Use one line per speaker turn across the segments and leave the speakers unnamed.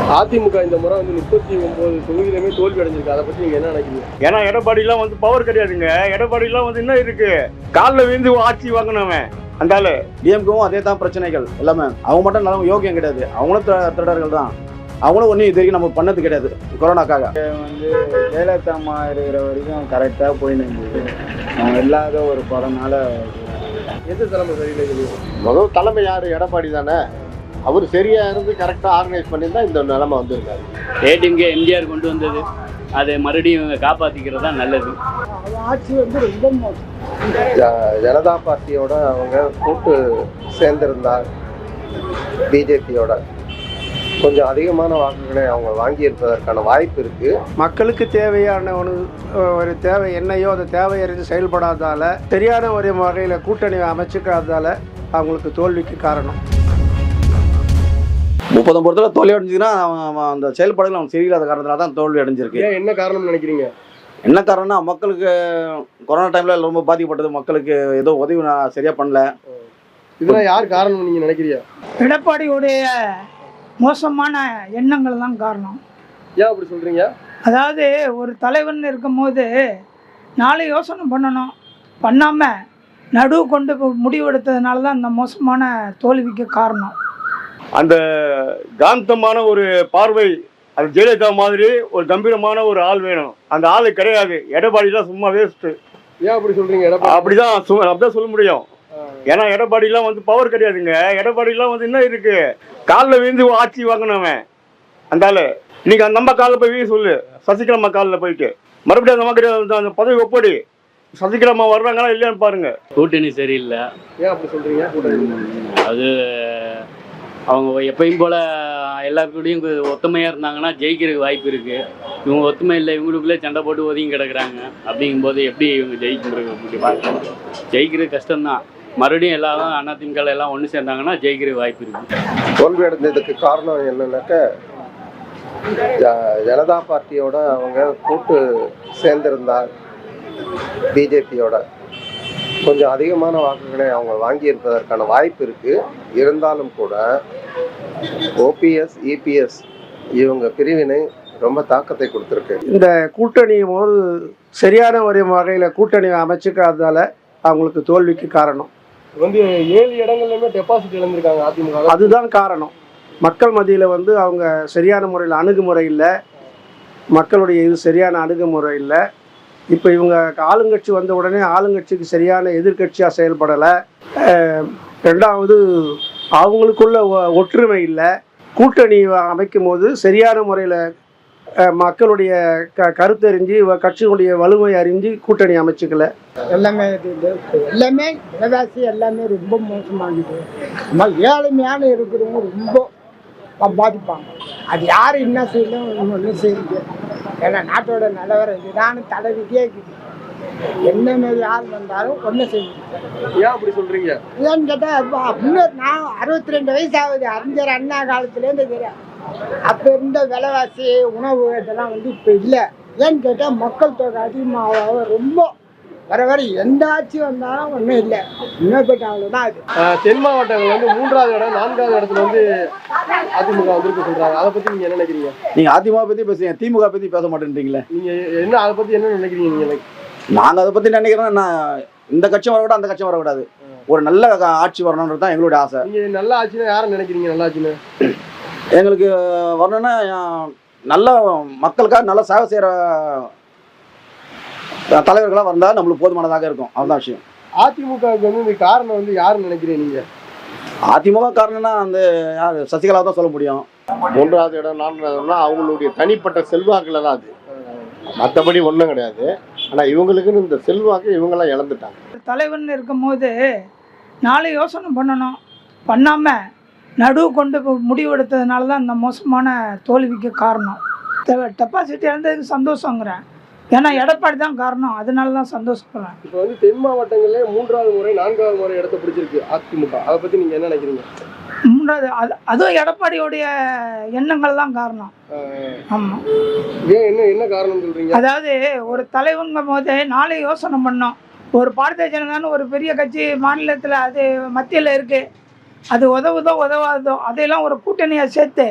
அதிமுக இந்த முறை வந்து 39 தொகுதியிலுமே தோல்வி அடைஞ்சிருக்கு. அதை பத்தி நீங்க என்ன நினைக்கிறீங்க?
ஏன்னா எடப்பாடிலாம் வந்து பவர் கிடையாதுங்க. எடப்பாடிலாம் வந்து என்ன இருக்கு, காலில் விழுந்து ஆட்சி வாங்கினவன் அந்தால.
டிஎம்கவும் அதே தான் பிரச்சனைகள் எல்லாமே. அவங்க மட்டும் நல்ல யோகியம் கிடையாது, அவங்களும் திருடர்கள் தான். அவங்களும் ஒன்றும் இது வரைக்கும் நம்ம பண்ணது கிடையாது. கொரோனாக்காக
வந்து ஜெயலலிதா அம்மா இருக்கிற வரைக்கும் கரெக்டாக போயின்னு இருந்தது. அவங்க இல்லாத ஒரு கொரோனால
எந்த தலைமை சரியில்லை?
முதல் தலைமை யார்? எடப்பாடி தானே. அவர் சரியா இருந்து கரெக்டாக ஆர்கனைஸ் பண்ணியிருந்தா இந்த நிலைமை வந்திருக்காரு.
ஏடிஎம்கே எம்ஜிஆர் கொண்டு வந்தது, அதை மறுபடியும் இவங்க காப்பாற்றிக்கிறது தான் நல்லது.
ஆட்சி வந்து ரொம்ப மோசம்.
ஜனதா பார்ட்டியோட அவங்க கூட்டு சேர்ந்திருந்தார் பிஜேபியோட கொஞ்சம் அதிகமான வாக்குகளை அவங்க வாங்கியிருப்பதற்கான வாய்ப்பு இருக்கு.
மக்களுக்கு தேவையான ஒரு தேவை என்னையோ அந்த தேவை அறிந்து செயல்படாதால, சரியான ஒரு வகையில் கூட்டணி அமைச்சுக்காததால அவங்களுக்கு தோல்விக்கு காரணம்.
39 தோல்வி அடைஞ்சிங்கன்னா அந்த செயல்பாடுகள் அவங்க சரியில்லாத காரணத்தினால தான் தோல்வி அடைஞ்சிருக்கு.
என்ன காரணம்னு நினைக்கிறீங்க?
என்ன காரணம்னா, மக்களுக்கு கொரோனா டைம்ல ரொம்ப பாதிக்கப்பட்டது. மக்களுக்கு ஏதோ உதவி நான் சரியா பண்ணல.
இதெல்லாம் யார் காரணம் நீங்க நினைக்கிறீங்க?
எடப்பாடியுடைய மோசமான எண்ணங்கள் தான் காரணம்.
ஏன் அப்படி சொல்றீங்க?
அதாவது ஒரு தலைவன் இருக்கும்போது நாளை யோசனை பண்ணணும், பண்ணாமல் நடுவு கொண்டு முடிவெடுத்ததுனால தான் இந்த மோசமான தோல்விக்கு காரணம்.
அந்த காந்தமான ஒரு பார்வை, அது ஜெயலலிதா மாதிரி ஒரு கம்பீரமான ஒரு ஆள் வேணும். அந்த ஆளு கிடையாது. எடப்பாடிலாம் சும்மா வேஸ்ட்டு.
ஏன் அப்படி சொல்றீங்க?
அப்படிதான் சொல்ல முடியும். ஏன்னா எடப்பாடிலாம் வந்து பவர் கிடையாதுங்க. எடப்பாடிலாம் வந்து என்ன இருக்கு, காலில் விழுந்து ஆட்சி வாங்கினவன் அந்தால. இன்னைக்கு அந்த நம்ம காலில் போய் வீடு சொல்லு, சசிகலாமா காலில் போயிட்டு மறுபடியும் அந்த மாதிரி அந்த பதவி ஒப்படி சசிகலாமா வர்றாங்களா இல்லையான்னு பாருங்க.
கூட்டணி சரியில்லை.
ஏன் அப்படி சொல்றீங்க?
அது அவங்க எப்பயும் போல் எல்லாருக்கூடையும் ஒத்துமையாக இருந்தாங்கன்னா ஜெயிக்கிறதுக்கு வாய்ப்பு இருக்குது. இவங்க ஒத்துமை இல்லை, இவங்களுக்குள்ளே சண்டை போட்டு ஒதுங்கி கிடக்குறாங்க. அப்படிங்கும்போது எப்படி இவங்க ஜெயிக்கிறது கஷ்டம்தான். மறுபடியும் எல்லாரும் அதிமுக எல்லாம் ஒன்று சேர்ந்தாங்கன்னா ஜெயிக்கிறதுக்கு வாய்ப்பு இருக்குது.
தோல்வி அடைந்ததுக்கு காரணம் என்னன்னாக்க, ஜனதா பார்ட்டியோட அவங்க கூட்டு சேர்ந்திருந்தார் பிஜேபியோட கொஞ்சம் அதிகமான வாக்குகளை அவங்க வாங்கியிருப்பதற்கான வாய்ப்பு இருக்கு. இருந்தாலும் கூட ஓபிஎஸ் இபிஎஸ் இவங்க பிரிவினை ரொம்ப தாக்கத்தை கொடுத்துருக்கு.
இந்த கூட்டணி ஒரு சரியான ஒரு வகையில் கூட்டணி அமைச்சுக்காததால அவங்களுக்கு தோல்விக்கு காரணம்.
வந்து 7 இடங்கள்லயுமே டெபாசிட் இழந்திருக்காங்க அதிமுக.
அதுதான் காரணம். மக்கள் மத்தியில் வந்து அவங்க சரியான முறையில் அணுகுமுறை இல்லை, மக்களுடைய இது சரியான அணுகுமுறை இல்லை. இப்போ இவங்க ஆளுங்கட்சி வந்த உடனே ஆளுங்கட்சிக்கு சரியான எதிர்கட்சியாக செயல்படலை. ரெண்டாவது அவங்களுக்குள்ள ஒற்றுமை இல்லை. கூட்டணி அமைக்கும் போது சரியான முறையில் மக்களுடைய கருத்தறிஞ்சு கட்சியினுடைய வலிமை அறிஞ்சு கூட்டணி அமைச்சுக்கல.
எல்லாமே விலைவாசி எல்லாமே ரொம்ப மோசமாகுது. ஏழ்மையான இருக்கிறவங்க ரொம்ப பாதிப்பாங்க. அது யார் என்ன செய்யணும் ஒன்றும் செய்யுது. ஏன்னா நாட்டோட நிலவரம் இதுதான் தலைவிக்கே இருக்குது. என்ன மாரி யார் வந்தாலும் ஒன்றும் செய்யுது.
ஏன் அப்படி சொல்றீங்க?
ஏன்னு கேட்டால் இன்னும் நான் 62 வயசு ஆகுது. அறிஞர் அண்ணா காலத்துலேருந்து தெரியும். அப்போ இருந்த விலைவாசி உணவு இதெல்லாம் வந்து இப்போ இல்லை. ஏன்னு கேட்டால் மக்கள் தொகை அதிகமாக ரொம்ப வர எந்த ஆட்சி வந்தாலும் ஒன்றும் இல்லை. இன்னும் போயிட்டு அவ்வளோதான். அது
தென் மாவட்டங்கள் வந்து 3வது இடம் 4வது இடத்துல வந்து அதிமுக வந்திருக்கு சொல்றாங்க. அதை பத்தி நீங்க என்ன நினைக்கிறீங்க?
நீங்க அதிமுக பத்தி பேசுறீங்க, திமுக பத்தி பேச மாட்டேன்றீங்களே.
நீங்க என்ன அதை பத்தி என்ன நினைக்கிறீங்க? நீங்க
நாங்க அதை பத்தி நினைக்கிறோம், இந்த கட்சியும் வரக்கூடாது அந்த கட்சியும் வரக்கூடாது, ஒரு நல்ல ஆட்சி வரணுன்றது தான் எங்களுடைய ஆசை.
நீங்க நல்ல ஆட்சினா யாரை நினைக்கிறீங்க? நல்ல ஆட்சின்னு
எங்களுக்கு வரணும்னா நல்ல மக்களுக்காக நல்ல சேவை செய்யற தலைவர்களாக வந்தால் நம்மளுக்கு போதுமானதாக இருக்கும். அதுதான் விஷயம்.
அதிமுகவுக்கு வந்து இந்த காரணம் வந்து யாருன்னு நினைக்கிறீங்க நீங்க?
அதிமுக காரணம்னா அந்த யார், சசிகலா தான் சொல்ல முடியும்.
3வது இடம் 4வது இடம்னா அவங்களுடைய தனிப்பட்ட செல்வாக்குல தான் அது, மற்றபடி ஒன்றும் கிடையாது. ஆனால் இவங்களுக்குன்னு இந்த செல்வாக்கு இவங்கெல்லாம் இழந்துட்டாங்க.
தலைவன் இருக்கும்போது நாளை யோசனை பண்ணணும், பண்ணாமல் நடுவு கொண்டு முடிவெடுத்ததுனால தான் இந்த மோசமான தோல்விக்கு காரணம். டெபாசிட் இழந்ததுக்கு சந்தோஷங்கிறேன். ஏன்னா எடப்பாடி தான் காரணம், அதனால தான் சந்தோஷப்படுறேன்.
இப்போ வந்து தென் மாவட்டங்களே 3வது முறை 4வது முறை இடத்த பிடிச்சிருக்கு அதிமுக. அதை பற்றி நீங்கள் என்ன நினைக்கிறீங்க?
3வது அதுவும் எடப்பாடியோடைய எண்ணங்கள் தான் காரணம். ஆமாம்.
ஏன் என்ன காரணம் சொல்கிறீங்க?
அதாவது ஒரு தலைவங்கும் போது நாளை யோசனை பண்ணோம். ஒரு பாரதிய ஜனதான்னு ஒரு பெரிய கட்சி மாநிலத்தில் அது மத்தியில் இருக்குது, அது உதவுதோ உதவாதோ அதையெல்லாம் ஒரு கூட்டணியாக சேர்த்து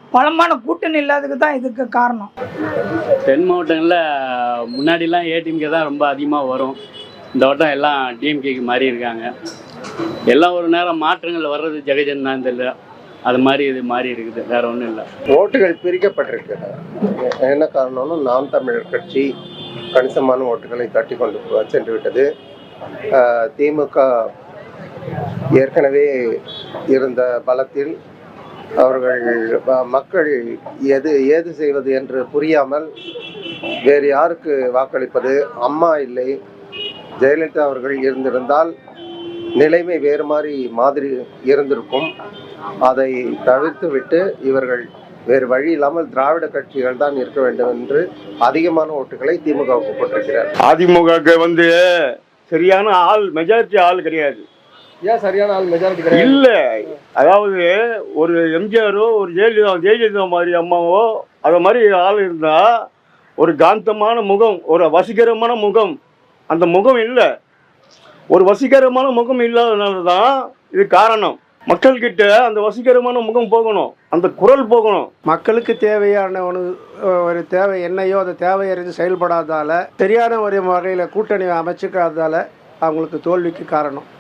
பலமான கூட்டணி இல்லாததுக்கு தான் இதுக்கு காரணம்.
தென் மாவட்டங்களில் முன்னாடிலாம் ஏடிஎம்கே தான் ரொம்ப அதிகமாக வரும். இந்த வட்டம் எல்லாம் டிஎம்கேக்கு மாறி இருக்காங்க. எல்லாம் ஒரு நேரம் மாற்றங்கள் வர்றது ஜெகஜன் தான் தெரியல, அது மாதிரி இது மாறி இருக்குது, வேற ஒன்றும் இல்லை.
ஓட்டுகள் பிரிக்கப்பட்டிருக்கு. என்ன காரணம்னா நாம் தமிழர் கட்சி கணிசமான ஓட்டுகளை தட்டி கொண்டு சென்று விட்டது. திமுக ஏற்கனவே இருந்த பலத்தில் அவர்கள் மக்கள் ஏது செய்வது என்று புரியாமல் வேறு யாருக்கு வாக்களிப்பது, அம்மா இல்லை ஜெயலலிதா அவர்கள் இருந்திருந்தால் நிலைமை வேறு மாதிரி இருந்திருக்கும். அதை தவிர்த்து விட்டு இவர்கள் வேறு வழி இல்லாமல் திராவிட கட்சிகள் தான் இருக்க வேண்டும் என்று அதிகமான ஓட்டுகளை திமுகவுக்கு போட்டிருக்கிறார்.
அதிமுகவுக்கு வந்து சரியான ஆள், மெஜாரிட்டி ஆள் கிடையாது.
ஏன் சரியான ஆள் மெஜாரிட்டி கிடையாது?
இல்ல, அதாவது ஒரு எம்ஜிஆரோ ஒரு ஜெயலலிதா மாதிரி அம்மாவோ அத மாதிரி ஆள் இருந்தா ஒரு காந்தமான முகம், ஒரு வசீகரமான முகம், அந்த முகம் இல்லை. ஒரு வசீகரமான முகம் இல்லாதனால தான் இது காரணம். மக்கள்கிட்ட அந்த வசீகரமான முகம் போகணும், அந்த குரல் போகணும்.
மக்களுக்கு தேவையான ஒரு தேவை என்னையோ அந்த தேவை அறிந்து செயல்படாதால, சரியான ஒரு வகையில் கூட்டணி அமைச்சிக்காததால அவங்களுக்கு தோல்விக்கு காரணம்.